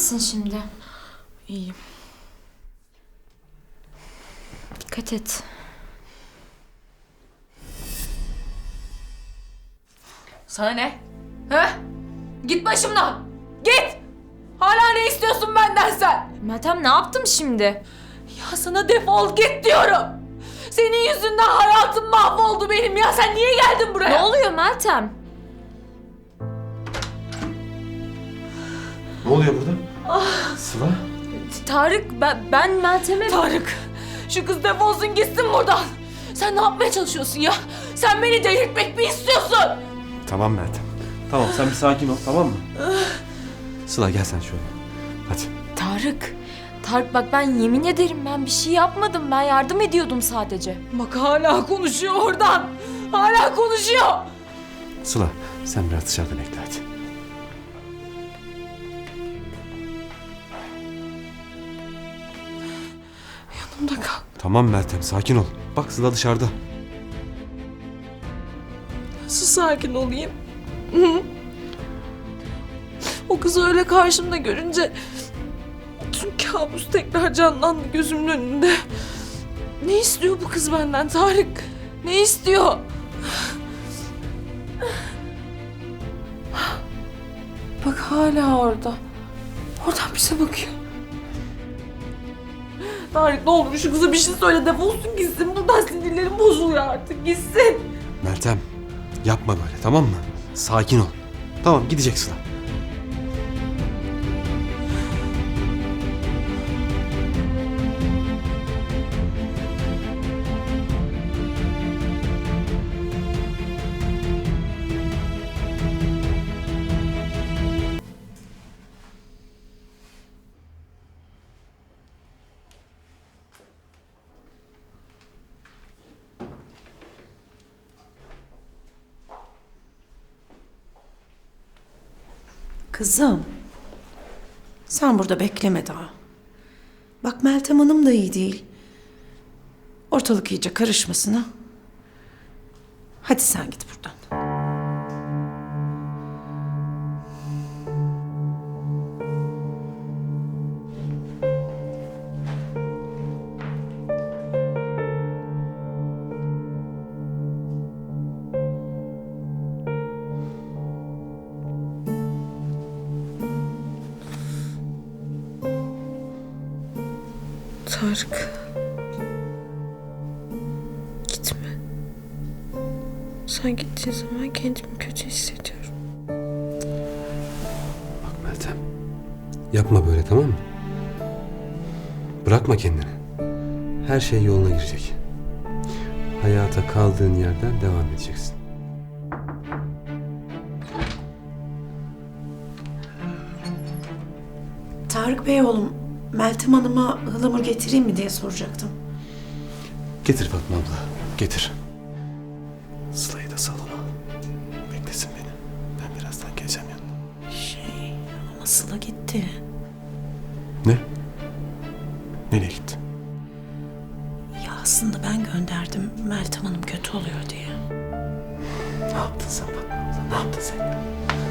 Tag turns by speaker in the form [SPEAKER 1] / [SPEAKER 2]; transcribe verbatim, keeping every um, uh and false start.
[SPEAKER 1] misin şimdi?
[SPEAKER 2] İyiyim.
[SPEAKER 1] Dikkat et.
[SPEAKER 2] Sana ne? He? Git başımdan. Git. Hala ne istiyorsun benden sen?
[SPEAKER 1] Meltem ne yaptım şimdi?
[SPEAKER 2] Ya sana defol git diyorum. Senin yüzünden hayatım mahvoldu benim ya. Sen niye geldin buraya?
[SPEAKER 1] Ne oluyor Meltem?
[SPEAKER 3] Ne oluyor burada? Sıla?
[SPEAKER 1] Tarık ben, ben Meltem'e...
[SPEAKER 2] Tarık, şu kız defolsun gitsin buradan. Sen ne yapmaya çalışıyorsun ya? Sen beni delirtmek mi istiyorsun?
[SPEAKER 3] Tamam Meltem. Tamam sen bir sakin ol, tamam mı? Sıla gel sen şöyle. Hadi.
[SPEAKER 1] Tarık. Tarık bak ben yemin ederim ben bir şey yapmadım. Ben yardım ediyordum sadece.
[SPEAKER 2] Bak hala konuşuyor oradan. Hala konuşuyor.
[SPEAKER 3] Sıla sen biraz dışarıda bekle hadi.
[SPEAKER 2] Yanımda kal.
[SPEAKER 3] Tamam Meltem sakin ol. Bak Sıla dışarıda.
[SPEAKER 2] Nasıl sakin olayım? Hı? O kızı öyle karşımda görünce tüm kabus tekrar canlandı gözümün önünde. Ne istiyor bu kız benden Tarık? Ne istiyor? Bak hala orada. Oradan bize bakıyor. Tarık ne olur şu kıza bir şey söyle, defolsun gitsin. Buradan sinirlerim bozuluyor artık, gitsin.
[SPEAKER 3] Meltem yapma böyle tamam mı? Sakin ol. Tamam gidecek Sıla.
[SPEAKER 4] Kızım, sen burada bekleme daha. Bak Meltem Hanım da iyi değil. Ortalık iyice karışmasın ha. Hadi sen git buradan.
[SPEAKER 2] Tarık. Gitme. Sen gittiğin zaman kendimi kötü hissediyorum.
[SPEAKER 3] Bak Meltem. Yapma böyle tamam mı? Bırakma kendini. Her şey yoluna girecek. Hayata kaldığın yerden devam edeceksin.
[SPEAKER 4] Tarık Bey oğlum, Meltem Hanım'a ıhlamur getireyim mi diye soracaktım.
[SPEAKER 3] Getir Fatma abla, getir. Sıla'yı da salona al. Beklesin beni. Ben birazdan geleceğim yanına.
[SPEAKER 4] Şey, ama Sıla gitti.
[SPEAKER 3] Ne? Nereye gitti?
[SPEAKER 4] Ya aslında ben gönderdim Meltem Hanım kötü oluyor diye.
[SPEAKER 3] Ne yaptın sen Fatma abla? Ne yaptın sen?